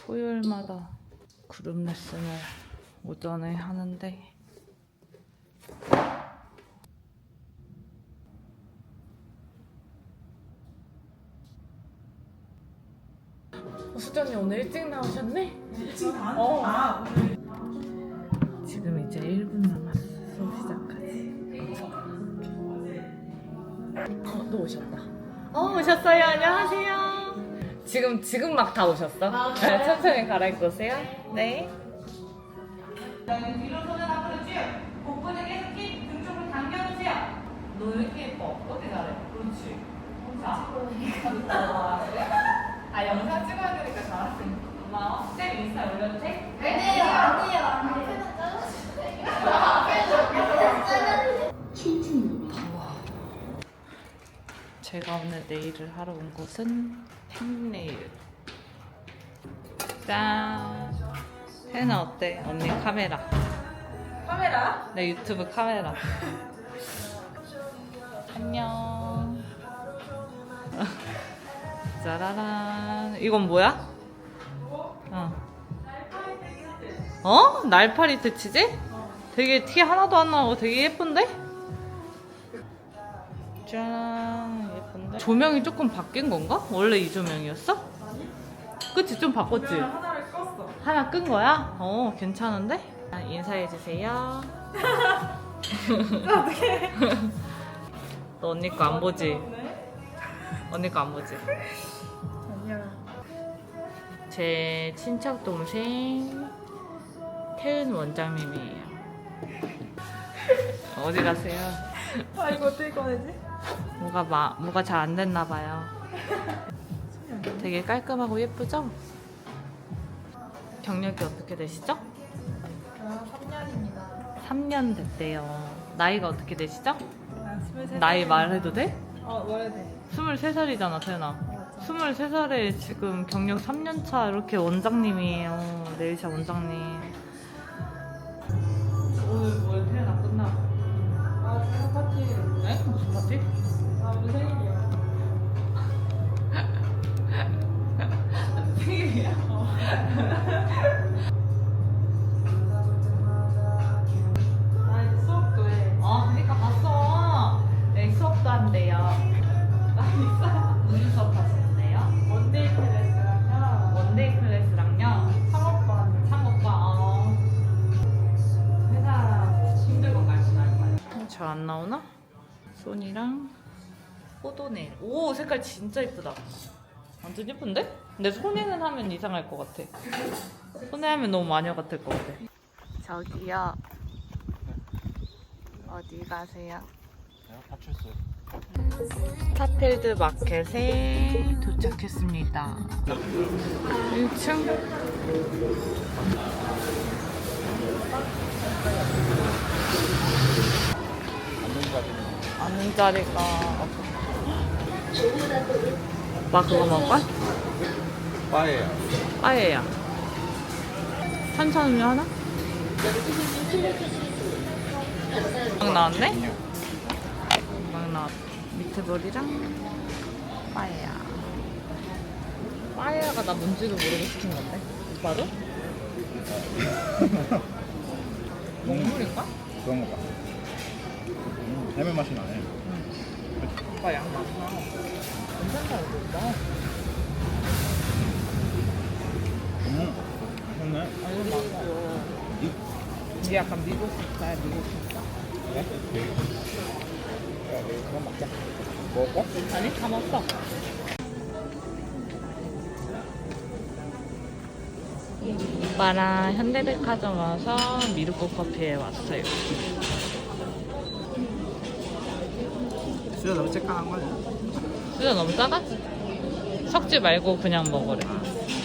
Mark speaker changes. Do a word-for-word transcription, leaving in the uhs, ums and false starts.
Speaker 1: 토요일마다 그룹 레슨을 오전에 하는데 어, 수전이 오늘 일찍 나오셨네?
Speaker 2: 일찍 나?
Speaker 1: 어.
Speaker 2: 아, 오늘.
Speaker 1: 지금 이제 일 분 남았어. 수업 시작하지. 어, 또 오셨다. 어, 오셨어요. 안녕하세요. 지금, 지금 막 다 오셨어?
Speaker 2: 아,
Speaker 1: 네, 천천히 갈아입고 오세요. 네.
Speaker 3: 뒤로 손을 앞으로 쭉. 복부는 계속 힙 등 쪽으로 당겨주세요. 너 왜 이렇게 예뻐? 어떻게 잘해? 그렇지. 자. 아, 영상 찍어야 되니까 잘하지. 고마워. 쌤 인스타 올려도 돼?
Speaker 4: 네, 아니에요, 아니에요.
Speaker 1: 제가 오늘 네일을 하러 온 곳은 팽네일. 짠. 혜나 어때? 언니 카메라.
Speaker 2: 카메라?
Speaker 1: 내 유튜브 카메라. 안녕. 짜라란. 이건 뭐야? 어. 어? 날파리 트치지? 되게 티 하나도 안 나고 되게 예쁜데? 짠. 예쁜데? 조명이 조금 바뀐 건가? 원래 이 조명이었어? 그치? 좀 바꿨지?
Speaker 2: 조명 하나를 껐어.
Speaker 1: 하나 끈 거야? 어, 괜찮은데? 아, 인사해주세요.
Speaker 2: 어떡해.
Speaker 1: 너 언니 거 안 보지?
Speaker 2: 네?
Speaker 1: 언니 거 안 보지?
Speaker 2: 아니야.
Speaker 1: 제 친척 동생 태은 원장님이에요. 어디 가세요?
Speaker 2: 아, 이거 어떻게 꺼내지?
Speaker 1: 뭐가 마, 뭐가 잘 안 됐나 봐요. 되게 깔끔하고 예쁘죠? 경력이 어떻게 되시죠?
Speaker 2: 아, 삼 년입니다.
Speaker 1: 삼 년 됐대요. 나이가 어떻게 되시죠?
Speaker 2: 아, 스물세
Speaker 1: 나이
Speaker 2: 살.
Speaker 1: 말해도 돼?
Speaker 2: 어, 말해도 돼.
Speaker 1: 스물세 살이잖아, 태연아.
Speaker 2: 맞아.
Speaker 1: 스물세 살에 지금 경력 삼 년 차 이렇게 원장님이에요. 네일샵 원장님. 오늘 뭐야, 태연아 끝나고?
Speaker 2: 아, 생일 파티.
Speaker 1: 네? 무슨 파티?
Speaker 2: 아, 오늘 생일이야.
Speaker 1: 생일이야?
Speaker 2: 나 이제 수업도 해.
Speaker 1: 아, 그니까 봤어. 네, 수업도 한대요.
Speaker 2: 나 있어.
Speaker 1: 무슨 수업 하시는데요?
Speaker 2: 원데이 클래스랑요.
Speaker 1: 원데이 클래스랑요.
Speaker 2: 창업반.
Speaker 1: 창업과 어. 회사 힘들 건가요? 잘 안 나오나? 손이랑 포도네일. 오, 색깔 진짜 이쁘다. 완전 예쁜데? 근데 손에는 하면 이상할 것 같아. 손에 하면 너무 마녀 같을 것 같아. 저기요. 어디 가세요?
Speaker 5: 내가 파출소.
Speaker 1: 스타필드 마켓에 도착했습니다. 일 층. 앉는 자리가 없어. 오빠 그거 먹을까?
Speaker 5: 빠에요.
Speaker 1: 빠에야. 탄산음료 하나? 막 나왔네? 막 나왔다. 미트볼이랑 빠에야. 빠에야가 나 뭔지도 모르고 시킨 건데? 오빠도? 먹물인가?
Speaker 5: 그런 거 봐. 음, 해물 맛이 나네.
Speaker 1: 오빠 양 많구나. 괜찮다, 이거.
Speaker 5: 음, 맛있네.
Speaker 1: 아, 이거 맛있어. 이게 약간 미국 스타일, 미국 스타일.
Speaker 5: 그래? 야, 내일 그만 먹자. 먹을까?
Speaker 1: 아니, 다 먹었어. 오빠랑 현대백화점 와서 미르코 커피에 왔어요.
Speaker 5: 수저 너무 쬐깐한 거네.
Speaker 1: 수저 너무 작아? 섞지 말고 그냥 먹으래.